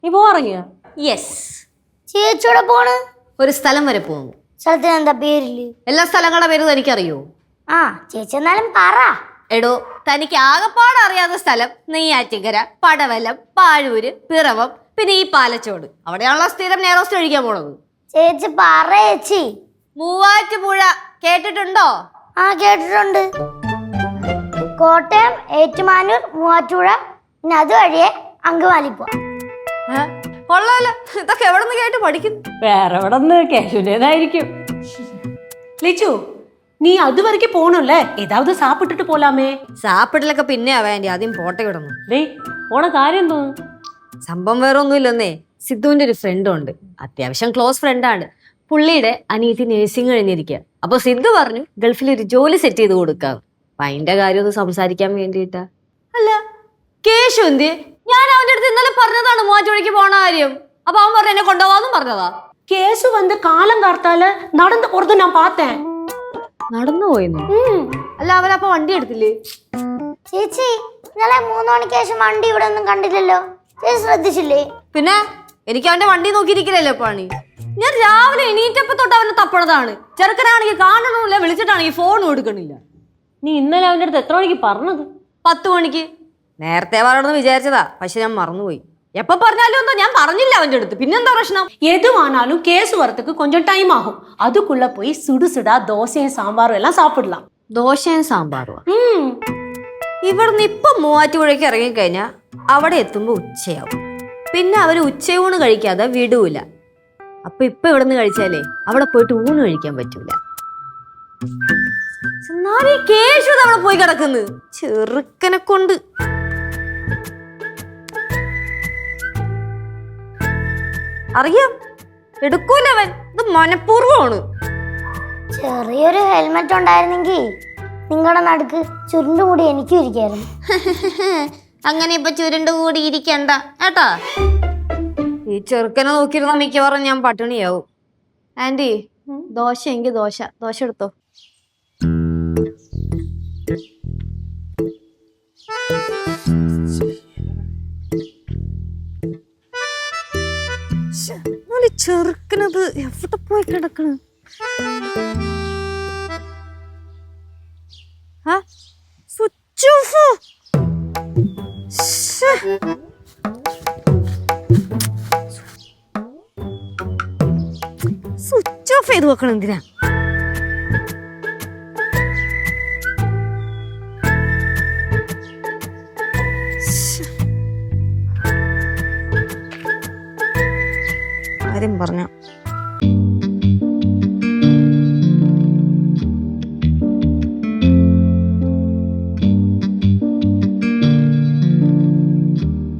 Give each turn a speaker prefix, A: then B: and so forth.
A: നീ പോറങ്ങിയ?
B: യെസ്.
C: ചേച്ചിയോടെ പോണ്?
B: ഒരു സ്ഥലം വരെ പോകുന്നു.
C: സ്ഥലത്തിന് എന്താ പേരില്?
B: എല്ലാ സ്ഥലങ്ങളുടെ പേര് തനിക്കറിയോ?
C: ആ ചേച്ചി എന്നാലും പറ.
B: എടോ, തനിക്ക് ആകെപ്പാട് അറിയാത്ത സ്ഥലം നെയ്യാറ്റിങ്കര, പടവലം, പാഴൂര്, പിറവം, പിന്നെ ഈ പാലച്ചോട്. അവിടെയാണല്ലോ സ്ഥിരം നെയ്റോസ്റ്റ് കഴിക്കാൻ പോണത്.
C: ചേച്ചി പറ ചേച്ചി.
B: മൂവാറ്റുപുഴ കേട്ടിട്ടുണ്ടോ?
C: ആ കേട്ടിട്ടുണ്ട്. കോട്ടയം, ഏറ്റുമാനൂർ, മൂവാറ്റുപുഴ, പിന്നെ അതുവഴിയെ അങ്കമാലി പോവാം.
B: കൊള്ളാലോ, ഇതൊക്കെ എവിടെ നിന്ന് കേട്ട് പഠിക്കുന്നു?
A: വേറെ എവിടെ നിന്ന് കേശുവിൻ്റെതായിരിക്കും. ലിച്ചു, നീ അതുവரைக்கும் போகணும்ல, ஏதாவது சாப்பிட்டுட்டு போலாமே.
B: സാപ്പിടലൊക്കെ പിന്നെ വേണ്ടി, ആദ്യം പോട്ടെ വിടണം.
A: டேய், പോണ കാര്യം തോന്നുന്നു.
B: സംഭവം വേറെ ഒന്നുമില്ലെന്നേ. സിദ്ധുവിന്റെ ഒരു ഫ്രണ്ട് ഉണ്ട്, അത്യാവശ്യം ക്ലോസ് ഫ്രണ്ടാണ്. പുള്ളിയുടെ അനിയത്തി നഴ്സിംഗ് കഴിഞ്ഞിരിക്കുക. അപ്പൊ സിദ്ധു പറഞ്ഞു ഗൾഫിൽ ഒരു ജോലി സെറ്റ് ചെയ്ത് കൊടുക്കാം. അപ്പൊ അതിന്റെ കാര്യം ഒന്ന് സംസാരിക്കാൻ വേണ്ടിയിട്ടാ. അല്ല കേശു എന്ത്? ഞാൻ അവന്റെ അടുത്ത് ഇന്നലെ പറഞ്ഞതാണ് മൂവാറ്റുപുഴയ്ക്ക് പോണ കാര്യം. അപ്പൊ അവൻ പറഞ്ഞു എന്നെ കൊണ്ടുപോവാന്നും പറഞ്ഞതാ.
A: കേശു വന്ന് കാലം കാർത്താല് നടന്നു പോறது ഞാൻ பார்த்தேன்.
B: നടന്നു പോയെന്നു? അല്ല അവനപ്പൊ വണ്ടി എടുത്തില്ലേ?
C: ചേച്ചി ഇന്നലെ 3 മണിക്ക് ശേഷം വണ്ടി ഇവിടെ ഒന്നും കണ്ടില്ലല്ലോ, ചേച്ചി ശ്രദ്ധിച്ചില്ലേ?
B: പിന്നെ എനിക്ക് അവന്റെ വണ്ടി നോക്കിയിരിക്കില്ലല്ലോ പണി. ഞാൻ രാവിലെ എണീറ്റപ്പോ തൊട്ട് അവനെ തപ്പണതാണ്. ചെറുക്കനാണെങ്കിൽ കാണണമില്ല, വിളിച്ചിട്ടാണെങ്കിൽ ഫോൺ കൊടുക്കണില്ല.
A: നീ ഇന്നലെ അവന്റെ അടുത്ത് എത്ര മണിക്ക് പറഞ്ഞത്?
B: 10 മണിക്ക്. നേരത്തെ പറയണമെന്ന് വിചാരിച്ചതാ, പക്ഷെ ഞാൻ മറന്നുപോയി. എപ്പൊ പറഞ്ഞാലും എന്താ, ഞാൻ പറഞ്ഞില്ല അവന്റെ അടുത്ത്. പിന്നെന്താ പ്രശ്നം?
A: எதுவானாலும் கேசு வரத்துக்கு கொஞ்சம் டைம் ஆகும். அதுக்குள்ள போய் சுடு சுடா தோசையும் சாம்பாரும் எல்லாம் சாப்பிடலாம்.
B: ദോശയും സാമ്പാറും. ഇവിടുന്ന് ഇപ്പൊ മൂവാറ്റുപുഴയ്ക്ക് ഇറങ്ങിക്കഴിഞ്ഞാൽ അവിടെ എത്തുമ്പോ ഉച്ചയാവും. പിന്നെ അവര് ഉച്ചയൂണ് കഴിക്കാതെ വിടൂല. അപ്പൊ ഇപ്പൊ ഇവിടുന്ന് കഴിച്ചാലേ അവിടെ പോയിട്ട് ഊണ് കഴിക്കാൻ പറ്റൂല. എന്നാലും കേശു അവിടെ പോയി കിടക്കുന്നു, ചെറുക്കനെ കൊണ്ട്. അറിയാം, എടുക്കൂലവൻ. ഇത് മനഃപൂർവ്വമാണ്.
C: ചെറിയൊരു ഹെൽമെറ്റ് ഉണ്ടായിരുന്നെങ്കിൽ നിങ്ങളുടെ നടുക്ക് ചുരുണ്ടുകൂടി എനിക്കും ഇരിക്കായിരുന്നു.
B: അങ്ങനെ ഇപ്പൊ ചുരുണ്ട് കൂടി ഇരിക്കണ്ട കേട്ടാ. ഈ ചെറുക്കനെ നോക്കിയിരുന്ന മിക്കവാറും ഞാൻ പട്ടിണിയാവും. ആന്റി, ദോശ എങ്കിൽ ദോശ എടുത്തോ. ചെറുക്കനത് എവിടെ പോയി കിടക്കണ്? Switch off. സ്വിച്ച് ഓഫ് ചെയ്ത് വെക്കണം എന്തിനാ? കാര്യം പറഞ്ഞ